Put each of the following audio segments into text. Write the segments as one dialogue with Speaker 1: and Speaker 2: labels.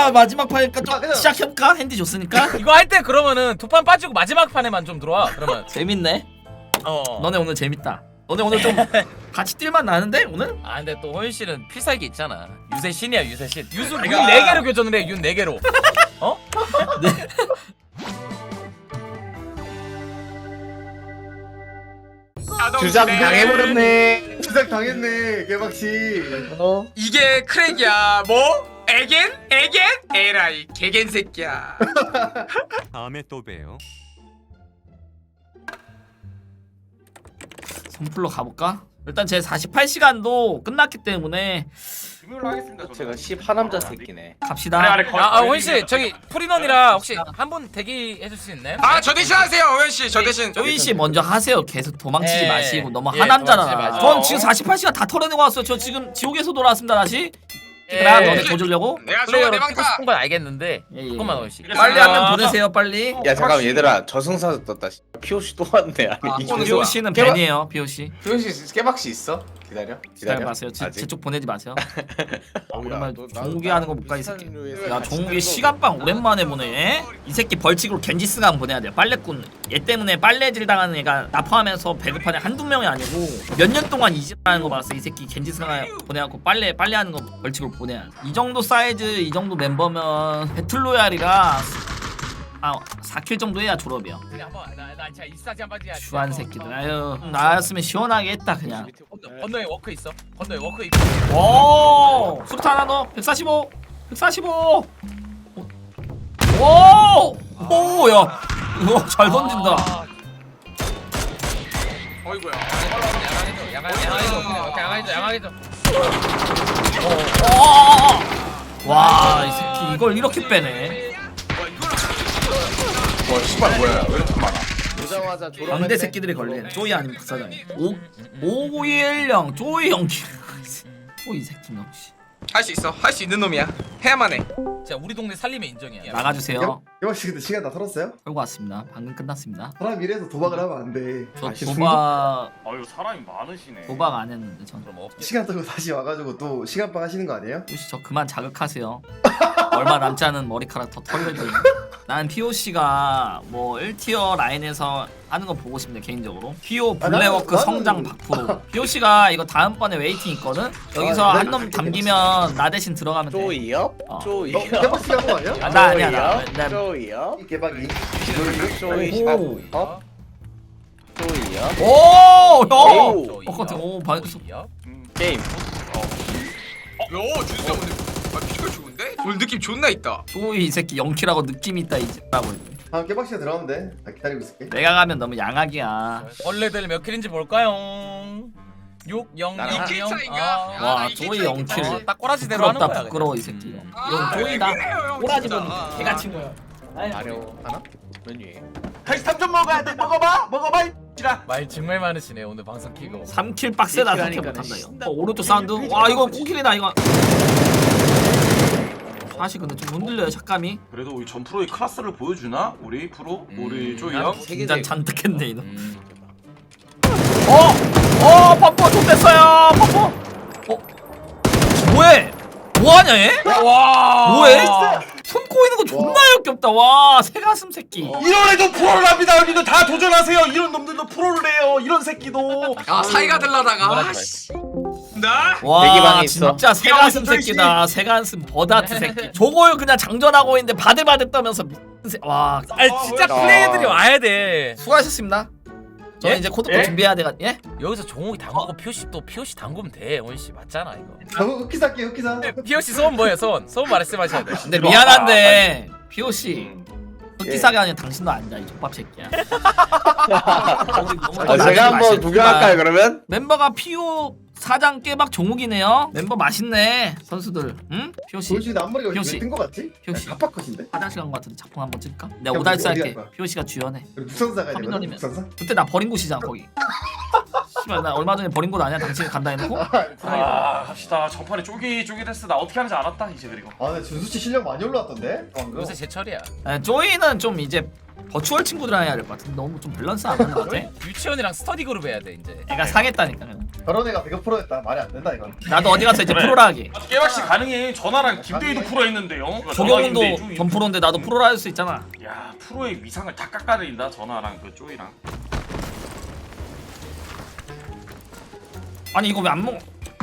Speaker 1: 마지막 판이니까 좀
Speaker 2: 그냥-
Speaker 1: 시작해볼까? 핸디 줬으니까.
Speaker 3: 이거 할 때 그러면은 두 판 빠지고 마지막 판에만 좀 들어와. 그러면
Speaker 1: 재밌네.
Speaker 3: 어.
Speaker 1: 너네 오늘 재밌다. 너네 오늘 좀 같이 뛸만 나는데 오늘?
Speaker 3: 아 근데 또 호연 씨는 필살기 있잖아. 유세 신이야 유세 신. 유수 윤
Speaker 2: 내가-
Speaker 3: 4개로 교전을 해. 윤 4개로. 어?
Speaker 4: 주작 당해버렸네.
Speaker 2: 주작 당했네 개박씨.
Speaker 5: 이게 크랙이야. 뭐? 에겐? 에겐? 에라이 개겐 새끼야.
Speaker 6: 다음에 또 봬요.
Speaker 1: 선풀로 가볼까? 일단 제 48시간도 끝났기 때문에
Speaker 4: 제가 10하남자 새끼네.
Speaker 1: 갑시다.
Speaker 3: 호연 씨 저기 프리넌이라 혹시 한 분 대기해 줄 수 있나요?
Speaker 5: 아 저 대신 하세요 오현 씨. 저 대신.
Speaker 1: 조이 씨 먼저 하세요. 계속 도망치지
Speaker 3: 예.
Speaker 1: 마시고 너무
Speaker 3: 예,
Speaker 1: 하남자라.
Speaker 3: 도망치지 마시고.
Speaker 1: 전 지금 48시간 다 털어내고 왔어요. 저 지금 지옥에서 돌아왔습니다 다시.
Speaker 3: 예.
Speaker 1: 그럼 너네 도주려고?
Speaker 5: 내가 좋아
Speaker 3: 플레이어로
Speaker 5: 내
Speaker 3: 뛰고
Speaker 5: 방타.
Speaker 3: 싶은 건 알겠는데
Speaker 1: 예, 예.
Speaker 3: 조금만 호연 씨.
Speaker 1: 빨리 한 명 보내세요 빨리.
Speaker 4: 야 잠깐만 얘들아 저승사자 떴다. POC 또 왔네. 아니
Speaker 1: 비오 씨는 벤이에요. 비오 씨.
Speaker 4: POC 깨박씨 있어? 기다려.
Speaker 1: 기다려 마세요.
Speaker 4: 아직?
Speaker 1: 제쪽 보내지 마세요. 오랜만에
Speaker 4: 너-
Speaker 1: 종욱이
Speaker 4: 나-
Speaker 1: 하는 거 못 가 이 새끼.
Speaker 4: 비슷한
Speaker 1: 야
Speaker 4: 류에서
Speaker 1: 종욱이
Speaker 4: 같이
Speaker 1: 시간빵 오랜만에 보네. 이 새끼 벌칙으로 겐지스강 보내야 돼. 빨래꾼. 얘 때문에 빨래질 당하는 애가 나 포함해서 배급하는 한두 명이 아니고 몇 년 동안 이집하는 거 봤어. 이 새끼 겐지스강 보내갖고 빨래하는 거 벌칙으로 보내야 돼. 이 정도 사이즈 이 정도 멤버면 배틀로얄이라 4킬 정도 해야 졸업이야.
Speaker 3: 한번 나 진짜 이사지 한번 해야지.
Speaker 1: 주한 새끼들. 아유 나였으면 시원하게 했다 그냥.
Speaker 3: 건너에 워크 있어. 건너에 워크 있고.
Speaker 1: 오! 수류탄 하나 더. 145. 145. 오! 오, 야. 이거 잘 던진다.
Speaker 3: 아,
Speaker 5: 어이구야.
Speaker 3: 양아해줘.
Speaker 1: 와, 이 새끼 이걸 이렇게 빼네.
Speaker 4: 와 씨발 뭐야 왜 이렇게 많아? 오자마자 졸업.
Speaker 1: 광대 새끼들이 걸리네. 쪼이 아니면 박사장이. 510 쪼이 연기. 쪼이 새끼 역시.
Speaker 5: 할 수 있어. 할 수 있는 놈이야. 해야만 해.
Speaker 3: 자 우리 동네 살림의 인정이야.
Speaker 1: 나가주세요.
Speaker 2: 개박씨 근데 시간 다 털었어요?
Speaker 1: 끌고 왔습니다. 방금 끝났습니다.
Speaker 2: 사람 이래서 도박을 하면 안 돼.
Speaker 1: 저 도박
Speaker 7: 아유 사람이 많으시네.
Speaker 1: 도박 안 했는데 전.
Speaker 3: 그럼 없지.
Speaker 2: 시간 떨고 다시 와가지고 또 시간빵 하시는 거 아니에요?
Speaker 1: 혹시 저 그만 자극하세요. 얼마 남지 않은 머리카락 더 털려도. 난 POC가 뭐 1티어 라인에서 하는 거 보고 싶네 개인적으로. PO 블랙워크
Speaker 2: 나는-
Speaker 1: 성장 박프로. POC가 이거 다음번에 웨이팅 있거든. 여기서
Speaker 2: 아,
Speaker 1: 한 놈 담기면 나 대신 들어가면 돼.
Speaker 4: 쪼이요?
Speaker 1: 어.
Speaker 4: 쪼이요?
Speaker 2: 개박씨 한거 아니야?
Speaker 1: 아, 나 아니야 나.
Speaker 4: 쪼이요?
Speaker 2: 개박이.
Speaker 4: 쪼이.
Speaker 1: 오.
Speaker 4: 어? 쪼이요?
Speaker 1: 오, 형.
Speaker 4: 오.
Speaker 1: 같은 오 반.
Speaker 4: 게임.
Speaker 5: 요 준수 오늘 비주얼 좋은데? 오늘 느낌 존나 있다.
Speaker 1: 또이 새끼 영키라고 느낌 있다 이제라고.
Speaker 2: 아 개박씨가 들어가면 돼. 나 기다리고 있을게.
Speaker 1: 내가 가면 너무 양악이야.
Speaker 3: 원래들 몇 킬인지 볼까요? 6, 0,
Speaker 4: 나랑
Speaker 3: 2,
Speaker 5: 2킬
Speaker 3: 0.
Speaker 5: 차인가?
Speaker 1: 와,
Speaker 5: 이게
Speaker 1: 쪼이
Speaker 5: 차이
Speaker 1: 영킬.
Speaker 5: 있겠지.
Speaker 3: 딱 꼬라지대로 하는
Speaker 1: 부끄럽다
Speaker 3: 거야.
Speaker 1: 부끄러워 이 새끼.
Speaker 5: 아,
Speaker 1: 이건 쪼이다.
Speaker 5: 왜 그래요, 형,
Speaker 1: 꼬라지
Speaker 5: 진짜.
Speaker 1: 보니 개가 친거야.
Speaker 4: 아려 하나? 메뉴에.
Speaker 7: 다시 3점 먹어야 돼. 먹어봐 이 X라.
Speaker 3: 말 정말 많으시네 오늘 방송 키고.
Speaker 1: 3킬 빡세다 3킬
Speaker 4: 하니까
Speaker 1: 못한다
Speaker 4: 씨.
Speaker 1: 이거. 오른쪽 사운드. 와 이거 꽁킬이다 이거. 사실 근데 좀 흔들려요 착감이.
Speaker 7: 그래도 우리 전 프로의 클래스를 보여주나? 우리 프로? 우리 쪼이 형?
Speaker 1: 긴장 잔뜩했네 이거.
Speaker 4: 음.
Speaker 1: 퍼포 좀 됐어요 퍼포. 뭐해? 뭐하냐 얘?
Speaker 3: 와.
Speaker 1: 뭐해? 손 꼬이는 거 존나 역겹다. 와 새가슴 새끼.
Speaker 7: 이런 애도 프로를 합니다. 여기도 다 도전하세요. 이런 놈들도 프로를 해요. 이런 새끼도.
Speaker 5: 아 사이가 들라다가. 아씨. 나?
Speaker 1: 와
Speaker 4: 대기방에 있어.
Speaker 1: 진짜 새가슴
Speaker 7: 쪼이 씨.
Speaker 1: 새끼다. 새가슴 버다트 새끼. 저걸 그냥 장전하고 있는데 바들바들 떠면서 와.
Speaker 3: 아니 진짜 플레이들이 와야 돼.
Speaker 1: 수고하셨습니다. 저는
Speaker 3: 예?
Speaker 1: 이제 코드코
Speaker 7: 예?
Speaker 1: 준비해야 돼가. 예?
Speaker 3: 여기서 종욱이 담그고 POC 또 POC 담그면 돼. 원씨 맞잖아 이거.
Speaker 2: 흑기사 할게 흑기사.
Speaker 3: POC 소원 뭐예요? 소원 말씀하셔야 돼.
Speaker 1: 근데 미안한데 POC 흑기사가 아니라 당신도 앉아 이 족밥 새끼야.
Speaker 4: 아, 제가 한번 구경할까요 그러면?
Speaker 1: 멤버가 PO 사장 깨박 종욱이네요. member 맛있네 선수들. 응? POC
Speaker 2: 도대체 나 앞머리가
Speaker 1: 효씨.
Speaker 2: 왜뜬거 같지?
Speaker 1: 효씨.
Speaker 2: 갑박컷인데?
Speaker 1: 화장실 간 거 같은데 작품 한번 찍을까? 내가
Speaker 2: 야,
Speaker 1: 오달스
Speaker 2: 어디
Speaker 1: 할게.
Speaker 2: 갈 거야?
Speaker 1: POC가 주연해.
Speaker 2: 우리 북선사 가야 되거든.
Speaker 1: 터미널이면.
Speaker 2: 북선사?
Speaker 1: 그때 나 버린 곳이잖아 거기. 씨발 나 얼마 전에 버린 곳 아니야? 당신이 간다 해놓고?
Speaker 7: 아 갑시다. 전판에 쫄깃쫄깃했어. 나 어떻게 하는지 알았다 이제. 그리고
Speaker 2: 아 근데 준수씨 실력 많이 올라왔던데? 방금
Speaker 3: 요새 제철이야.
Speaker 1: 조이는 좀 이제 버추얼 친구들이랑 해야 될 것 같은데 너무 좀 밸런스 안 맞는 것 같아.
Speaker 3: 유치원이랑 스터디 그룹 해야 돼 이제.
Speaker 1: 애가 상했다니까.
Speaker 2: 저런 애가 100%였다 말이 안 된다 이건
Speaker 1: 나도 어디 가서 이제 프로라 하게.
Speaker 7: 깨박씨 가능해. 전화랑 김대희도 프로 했는데요.
Speaker 1: 조경훈도 전 프로인데 나도 프로라 할 수 있잖아.
Speaker 7: 야 프로의 위상을 다 깎아내린다. 전화랑 그 쪼이랑.
Speaker 1: 아니 이거 왜 안 먹어?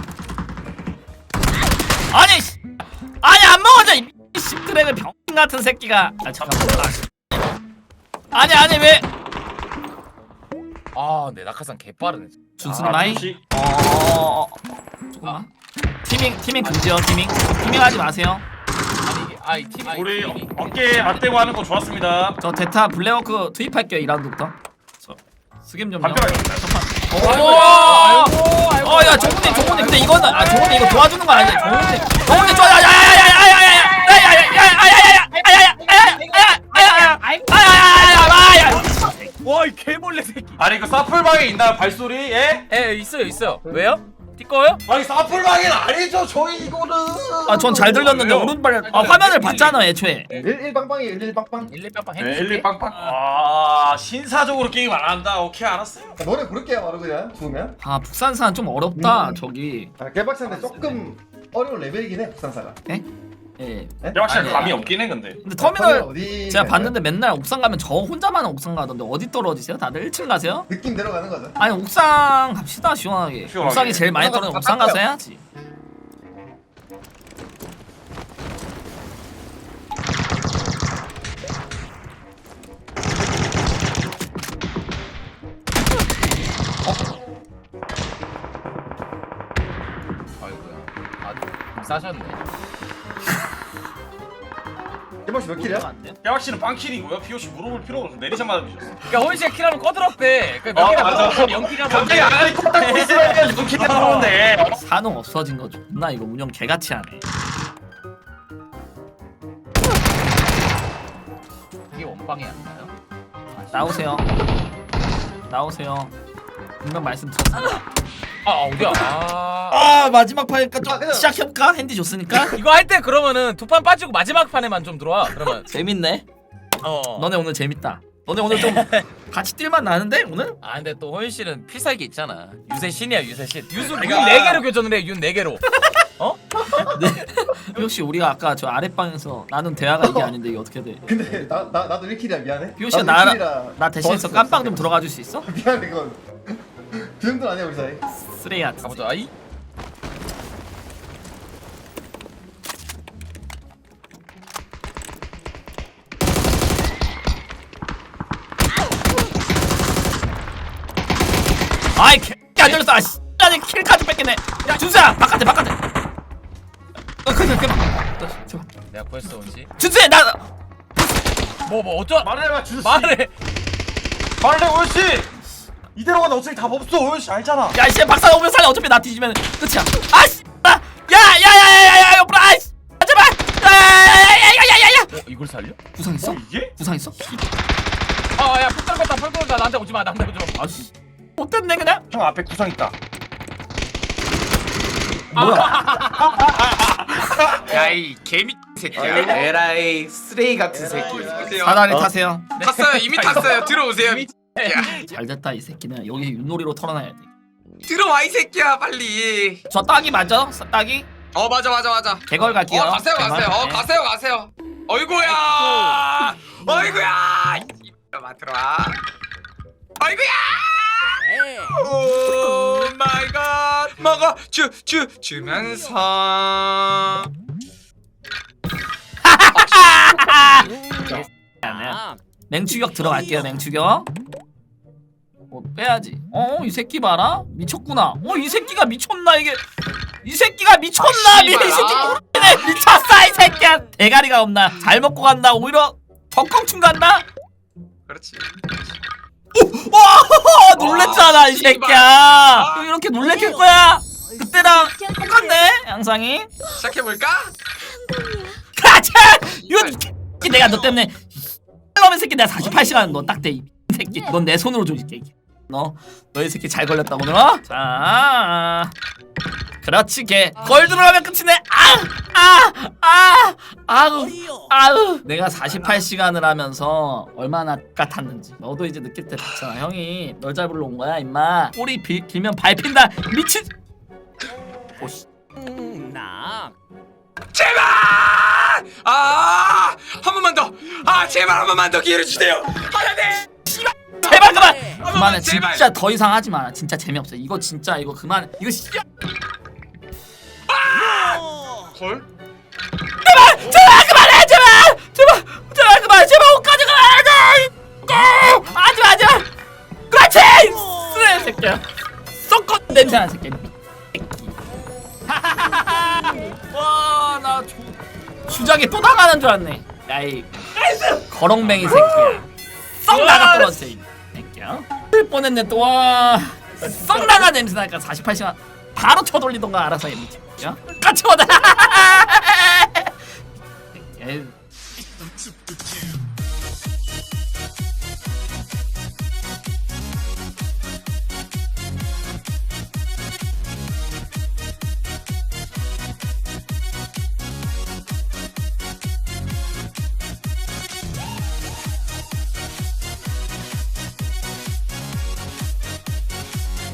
Speaker 1: 아니 씨. 아니 안 먹어져 이 씨드래그 병 같은 새끼가. 아 잠깐만. 아니 왜?
Speaker 3: 아, 내 낙하산 개 빠르네.
Speaker 1: 준수는 마이?
Speaker 7: 준씨.
Speaker 1: 조금만. 티밍 금지요 티밍 하지 마세요.
Speaker 3: 아니 이게 이 팀이
Speaker 7: 우리 어깨 맞대고 하는 거 좋았습니다.
Speaker 1: 저 데타 블랙워크 투입할게요 2라운드부터. 저 스겜 좀요. 어야 종훈이 근데 이거는 종훈이 이거 도와주는 거 아니야? 종훈이 좋아
Speaker 3: 와이 개벌레 새끼.
Speaker 7: 아니 그 사풀방에 있나요 발소리? 예?
Speaker 3: 에 있어요. 왜요? 띠꺼요?
Speaker 7: 아니 사풀방에는 아니죠. 저희 이거는.
Speaker 1: 전 잘 들렸는데 오른발 화면을 봤잖아 애초에.
Speaker 2: 11빵빵이 11빵빵
Speaker 3: 11빵빵
Speaker 7: 네,
Speaker 3: 했지.
Speaker 7: 1, 2빵빵. 아 신사적으로 게임 안 한다. 오케이 알았어요.
Speaker 2: 노래 부를게요 바로 그냥 좋으면
Speaker 1: 북산산 좀 어렵다 저기.
Speaker 2: 깨박씨한테 조금 어려운 레벨이긴 해 북산사가
Speaker 1: 예.
Speaker 7: 깨박씨는
Speaker 3: 아니,
Speaker 7: 감이 없긴 해 근데.
Speaker 1: 근데 터미널
Speaker 2: 어디
Speaker 1: 제가 봤는데 맨날 옥상 가면 저 혼자만 옥상 가던데 어디 떨어지세요? 다들 1층 가세요?
Speaker 2: 느낌 내려가는 거죠
Speaker 1: 아니 옥상 갑시다 시원하게.
Speaker 7: 시원하게.
Speaker 1: 옥상이 제일 많이 떨어지는 옥상 가서 해야지.
Speaker 3: 아이고야. 아주 싸셨네.
Speaker 2: 깨박씨 몇 킬이야?
Speaker 1: 안 돼요?
Speaker 7: 깨박씨는 빵킬이고요. POC 물어볼 필요가 없어. 내리자마자 주셨어.
Speaker 3: 그러니까 호이씨가 킬하면 꺼들었대. 그몇 킬이나
Speaker 7: 맞아.
Speaker 3: 먹었어? 0킬이나
Speaker 7: 갑자기 아니 콧딱 있으면 눈 키가 들어오는데.
Speaker 1: 산호 없어진 거 존나 이거 운영 개같이 하네.
Speaker 3: 이게 원빵이 아닌가요?
Speaker 1: 나오세요. 분명 말씀드렸습니다.
Speaker 3: 어디야?
Speaker 1: 마지막 판이니까 좀
Speaker 2: 그냥-
Speaker 1: 시작해볼까? 핸디 줬으니까.
Speaker 3: 이거 할 때 그러면은 두 판 빠지고 마지막 판에만 좀 들어와. 그러면
Speaker 1: 재밌네.
Speaker 3: 어.
Speaker 1: 너네 오늘 재밌다. 너네 오늘 좀 같이 뛸만 나는데 오늘?
Speaker 3: 아 근데 또 호연 씨는 필살기 있잖아. 유세 신이야 유세 신. 윤 4개로 교전을 해. 윤 4개로.
Speaker 1: 네. 혹시 우리가 아까 저 아랫방에서 나눈 대화가 이게 아닌데 이게 어떻게 돼?
Speaker 2: 근데 나도 1킬이야 미안해
Speaker 1: 비오씨가
Speaker 2: 나도 1킬이라
Speaker 1: 나 대신해서 깜빵 좀 들어가 줄 수 있어?
Speaker 2: 미안해 이건 그 정도는 아니야 우리 사이
Speaker 1: 쓰레기 같은.
Speaker 3: 가보자. 아이.
Speaker 1: 아이 개안 들렸어. 아씨. 나는 킬까지 뺏겠네. 야 준수야 바깥에. 그만. 제발.
Speaker 3: 내가 구했어 원씨.
Speaker 1: 준수야 나.
Speaker 3: 뭐 어쩌?
Speaker 7: 말해봐 주씨.
Speaker 3: 말해.
Speaker 7: 말해 오연씨. 이대로 가면 어차피 답 없어. 오연씨 알잖아.
Speaker 1: 야 이씨 박사 오면 살려. 어차피 나 뒤지면 끝이야. 아씨. 야야야야야야 옆으로 아씨. 제발. 야야야야야야야.
Speaker 3: 이걸 살려?
Speaker 1: 구상 있어?
Speaker 7: 이게?
Speaker 1: 구상 있어?
Speaker 3: 아야 폭 떨궜다. 나한테 오지 마.
Speaker 1: 아씨. 못됐네 그냥.
Speaker 7: 형 앞에 구상 있다.
Speaker 5: 야이 개미 새끼야.
Speaker 4: 에라이 쓰레기 같은 새끼.
Speaker 5: 보세요.
Speaker 1: 사다리 타세요.
Speaker 5: 탔어요. 이미 탔어요. 들어오세요.
Speaker 1: 잘됐다 이 새끼는. 여기 윷놀이로 털어놔야 돼.
Speaker 5: 들어와 이 새끼야 빨리.
Speaker 1: 저 딱이 맞아? 딱이?
Speaker 5: 맞아.
Speaker 1: 개걸 갈게요.
Speaker 5: 가세요.
Speaker 1: 개걸. 네.
Speaker 5: 가세요. 어이구야. 들어와. 어이구야. 오 마이 갓. 먹어. 주면서.
Speaker 1: 맹추격 들어갈게요. 맹추격. 빼야지. 이 새끼 봐라. 미쳤구나. 이 새끼가 미쳤나 이게. 이 새끼가 미쳤나. 이 새끼 모르네. 미쳤어 이 새끼야. 대가리가 없나. 잘 먹고 간다. 오히려 덕껑충 간다.
Speaker 5: 그렇지.
Speaker 1: 와 놀랬잖아 이 새끼야. 이렇게 놀래킬 거야. 그때랑 똑같네 양상이.
Speaker 5: 시작해볼까?
Speaker 1: 가자. 이거 내가 너 때문에 놈의 새끼 내가 48시간 너 딱 돼 이 새끼. 넌 내 손으로 조질게. 너이 새끼 잘 걸렸다 오늘 자 그렇지 걔 걸 들어가면 끝이네 아우 내가 48시간을 하면서 얼마나 같았는지 너도 이제 느낄 때 됐잖아 형이 널 잡으러 온 거야 임마 꼬리 길면 밟힌다 미친 오씨
Speaker 5: 제발! 한 번만 더! 제발 한 번만 더 기회를 주세요! 하나님!
Speaker 1: 제발 그만 그만해
Speaker 5: 제발.
Speaker 1: 진짜 더 이상 하지 마라 진짜 재미없어 이거 진짜 이거 그만해 이거 씨발
Speaker 5: 걸?
Speaker 1: 제발 그만해 제발 그만해 제발 옷까지 그만해 하지마 그렇지 쓰레 새끼야 썩건 냄새나는 새끼 와나 주작에 또 당하는 줄 알았네 야이 거렁뱅이 새끼야 썩 나가 떨어져 이 새끼야 쓸 뻔했네 또와썩 나가 냄새 나니까 48시간 바로 쳐돌리던가 알아서 해 미친야 같이 와다